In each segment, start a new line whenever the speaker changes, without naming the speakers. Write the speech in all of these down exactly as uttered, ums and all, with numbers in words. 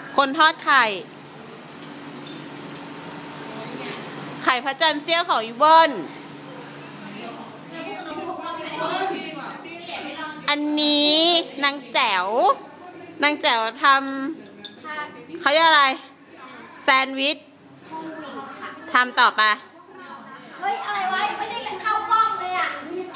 คนทอดไข่ไข่พระจันทร์เสี้ยวของอีเบิ้ลอันนี้นางแจ๋วนางแจ๋วทำเขาเรียกอะไรแซนด์วิชทำต่อไป
เฮ้ยอะไรวะไม่ได้เล่นเข้ากล้องเลยอ่ะ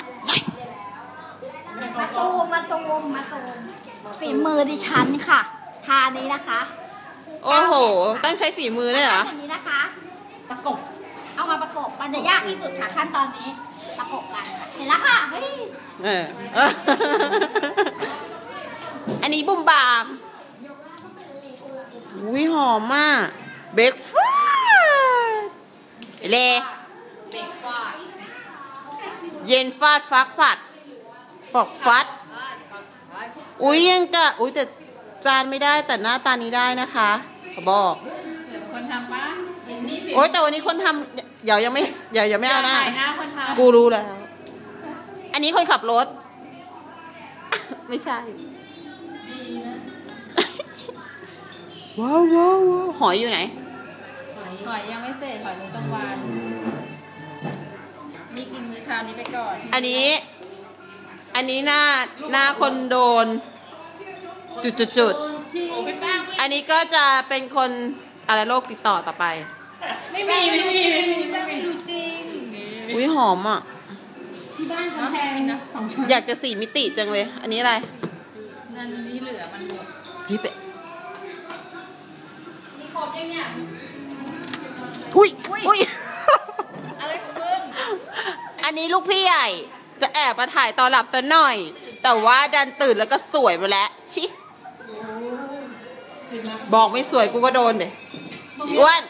มาตูมมาตูมมาตูมฝีมือดิฉันค่ะทานี้นะคะ
โอ้โหต้องใช้ฝีมือด้วยเหรอ
อย่างนี้นะคะประกบเอามาประกบมันจะยากที่สุดค่ะขั้นตอนนี้ประกบกันค่ะเห็นแล้วค่ะเฮ้ย
เอออันนี้บุ้มบามอุ้ยหอมมากเบรกฟาสเล่เย็นฟาดฟักผัดฟอกฟัดอุ้ยยังกะอุ้ยแต่จานไม่ได้แต่หน้าตานี้ได้นะคะขอบอก
คนทำปะ
โอ้ยแต่วันนี้คนทำเดี๋ยวยังไม่เดี๋ยวยังไม่เอาหน้ากูรู้แล้วอันนี้คนขับรถไม่ใช่ว้าวว้าวว้าวหอยอยู่ไหน
หอยยังไม่เสร็จหอยมื้อกลางวันนี่กินมื้อเช้านี้ไปก่อน
อันนี้อันนี้หน้าหน้าคนโดนจุดจุดจุดอันนี้ก็จะเป็นคนอะไรโรคติดต่อต่อไป
ไม่มีไม่มีไม่มีไม่รู้จริง
อุ้ยหอมอ่ะ
ที่บ้านเขาแพงนะสองช้อน
อยากจะสี่มิติจังเลยอันนี้อะไร
นั่นนี่เหลือมันหมด
นี่เป็ด
นี่ครบยังเนี่ย
อุ้ยอุ้ย
อะไรของมึง
อันนี้ลูกพี่ใหญ่จะแอบมาถ่ายตอนหลับซะหน่อยแต่ว่าดันตื่นแล้วก็สวยมาแล้วชิบอกไม่สวยกูก็โดนเด็อ้วน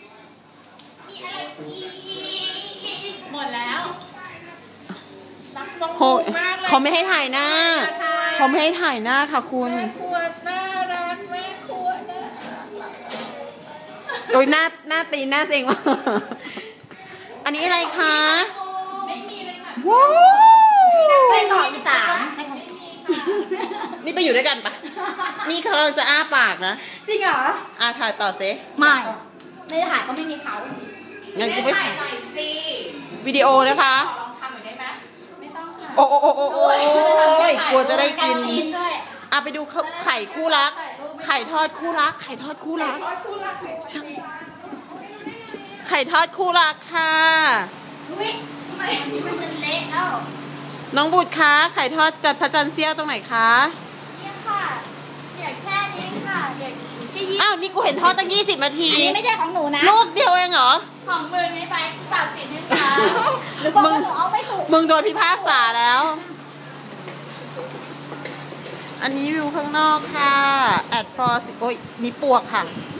หมดแล้ว
โหเขาไม่ให้ถ่ายหน้าเขาไม่ให้ถ่ายหน้าค่ะคุณ
แม่ครัวน่ารักแม่ครัวน่ารัก
โดยหน้าหน้าตีหน้าเซ็งว่ะอันนี้อะไรคะ
ไม่มีเลยค่ะ
ว้าว
ไส้กรอกอีสาน
นี่ไปอยู่ด้วยกันปะนี่เขาจะอ้าปากนะ
จริงเหรอ
อาถ่ายต่อเซ
ไม่ไม่ถ่ายก็ไม่มีเขา
งั้นกูไปถ่ายหน่อยสิวิดีโอนะคะ
ลองทำหน่อยได้ไหมไม่ต้องค่ะ
โอ้โอ้โอ้โอ้โอ้ยกลัวจะได้กินอ่ะไปดูไข่คู่รักไข่ทอดคู่รักไข่ทอดคู่รักไข่ทอดคู่รักค่ะน้องบุตรคะไข่ทอดจัดพระจันทร์เสี้ยวตรงไหนคะ
นี่ค่ะเดี๋ยวแค่นี้ค่ะเดี๋ยว
อ้าวนี่กูเห็นทอดตั้งยี่สิบนาที
อันนี้ไม่ใช่ของหนูนะ
ลูกเดียวเองเหรอ
ของมึงไม่ไปตัดสินให้ค่ะ
หรือบอกว่าหนูเอาไม่ถูก
มึงโดนพิพากษาแล้วอันนี้วิวข้างนอกค่ะแอดฟอร์สโอ้ยมีปวกค่ะ